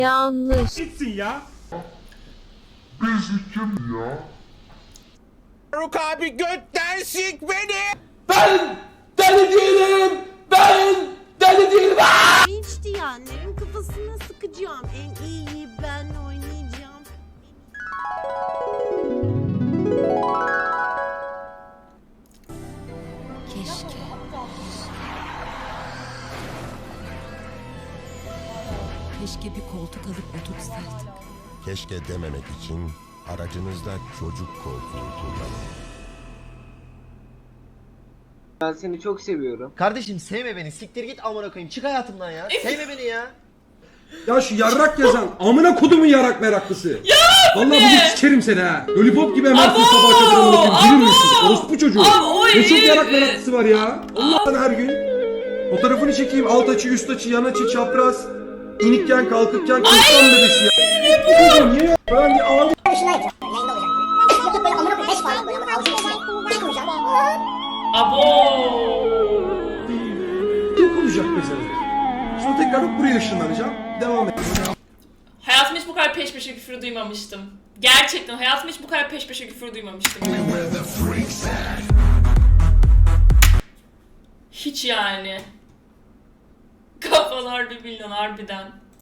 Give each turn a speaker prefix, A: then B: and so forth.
A: Yanlış.
B: Gitsin ya.
C: Faruk abi götten sik beni.
D: Ben deli değilim. Ben deli değilim.
E: Hiç diyenlerin kafasına sıkacağım. En iyi ben oynayacağım.
A: Keşke. Keşke bir koltuk alıp otursaydık.
F: Keşke dememek için aracınızda çocuk koltuğu kullanın.
G: Ben seni çok seviyorum.
H: Kardeşim sevme beni. Siktir git amına koyayım. Çık hayatımdan ya. Sevme beni ya.
B: Ya şu yarrak yazan amına kodumun yarak meraklısı. Ya vallahi bugün sikerim seni ha. Lollipop gibi emersin sabah kadar amına koyayım. Bilir misin? Orospu çocuğu. Ne çok yarak meraklısı var ya. Allah'tan her gün. Fotoğrafını çekeyim. Alt açı, üst açı, yan açı, çapraz. İnikken, kalkırken, kırklan bebesi ya. Bu çocuğu niye ya? Ben bir ağlayayım. Yok olacak mesela. Sonra tekrar buraya ışınlanacağım. Devam et.
I: Hayatımda hiç bu kadar peş peşe küfür duymamıştım. Gerçekten hayatımda hiç bu kadar peş peşe küfür duymamıştım. Hiç yani. Kafalar bir milyon harbiden.